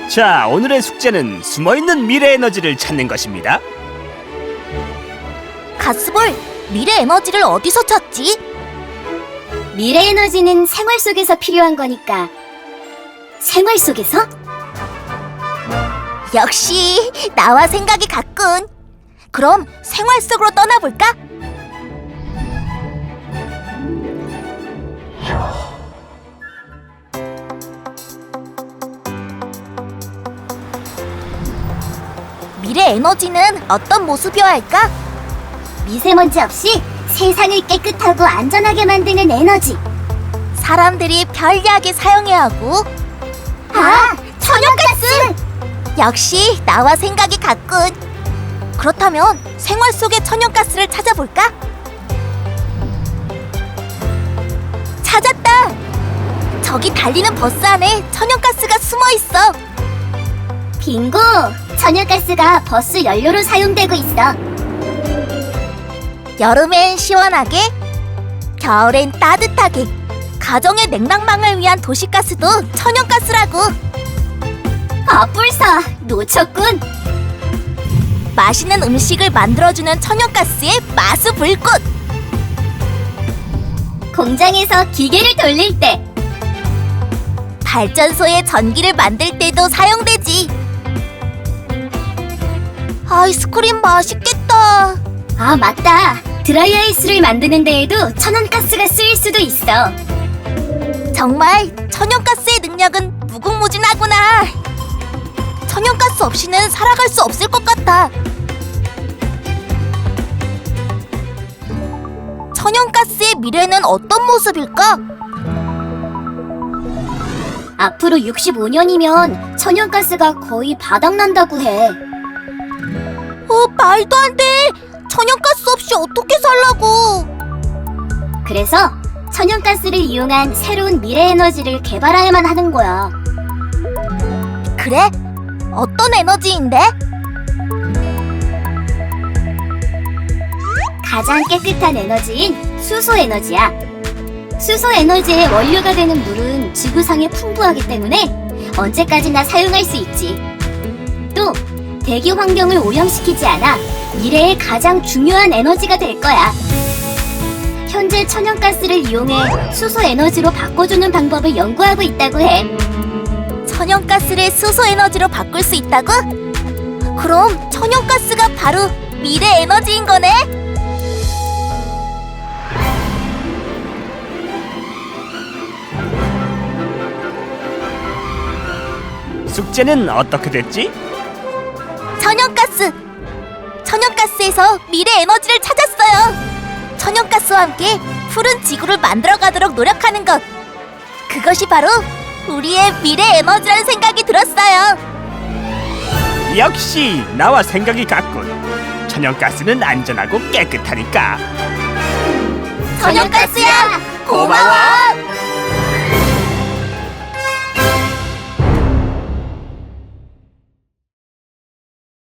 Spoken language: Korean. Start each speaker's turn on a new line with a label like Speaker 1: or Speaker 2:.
Speaker 1: 자, 오늘의 숙제는 숨어있는 미래 에너지를 찾는 것입니다.
Speaker 2: 가스볼, 미래 에너지를 어디서 찾지?
Speaker 3: 미래 에너지는 생활 속에서 필요한 거니까. 생활 속에서?
Speaker 2: 역시 나와 생각이 같군. 그럼 생활 속으로 떠나볼까? 미래 에너지는 어떤 모습이어야 할까?
Speaker 3: 미세먼지 없이 세상을 깨끗하고 안전하게 만드는 에너지.
Speaker 2: 사람들이 편리하게 사용해야 하고.
Speaker 3: 아, 천연가스!
Speaker 2: 역시 나와 생각이 같군. 그렇다면 생활 속의 천연가스를 찾아볼까? 찾았다! 저기 달리는 버스 안에 천연가스가 숨어 있어.
Speaker 3: 빙고! 천연가스가 버스 연료로 사용되고 있어.
Speaker 2: 여름엔 시원하게, 겨울엔 따뜻하게, 가정의 냉난방을 위한 도시가스도 천연가스라고.
Speaker 3: 뿔싸 놓쳤군.
Speaker 2: 맛있는 음식을 만들어주는 천연가스의 마수 불꽃.
Speaker 3: 공장에서 기계를 돌릴 때.
Speaker 2: 발전소에 전기를 만들 때도 사용되지. 아이스크림 맛있겠다.
Speaker 3: 아, 맞다. 드라이아이스를 만드는 데에도 천연가스가 쓰일 수도 있어.
Speaker 2: 정말 천연가스의 능력은 무궁무진하구나. 천연가스 없이는 살아갈 수 없을 것 같아. 천연가스의 미래는 어떤 모습일까?
Speaker 3: 앞으로 65년이면 천연가스가 거의 바닥난다고 해.
Speaker 2: 말도 안 돼. 천연가스 없이 어떻게 살라고.
Speaker 3: 그래서 천연가스를 이용한 새로운 미래 에너지를 개발해야만 하는 거야.
Speaker 2: 그래? 어떤 에너지인데?
Speaker 3: 가장 깨끗한 에너지인 수소 에너지야. 수소 에너지의 원료가 되는 물은 지구상에 풍부하기 때문에 언제까지나 사용할 수 있지. 또 대기 환경을 오염시키지 않아 미래의 가장 중요한 에너지가 될 거야. 현재 천연가스를 이용해 수소 에너지로 바꿔주는 방법을 연구하고 있다고 해.
Speaker 2: 천연가스를 수소 에너지로 바꿀 수 있다고? 그럼 천연가스가 바로 미래 에너지인 거네?
Speaker 1: 숙제는 어떻게 됐지?
Speaker 2: 천연가스! 천연가스에서 미래 에너지를 찾았어요! 천연가스와 함께 푸른 지구를 만들어가도록 노력하는 것! 그것이 바로 우리의 미래 에너지라는 생각이 들었어요!
Speaker 1: 역시 나와 생각이 같군. 천연가스는 안전하고 깨끗하니까.
Speaker 2: 천연가스야! 고마워!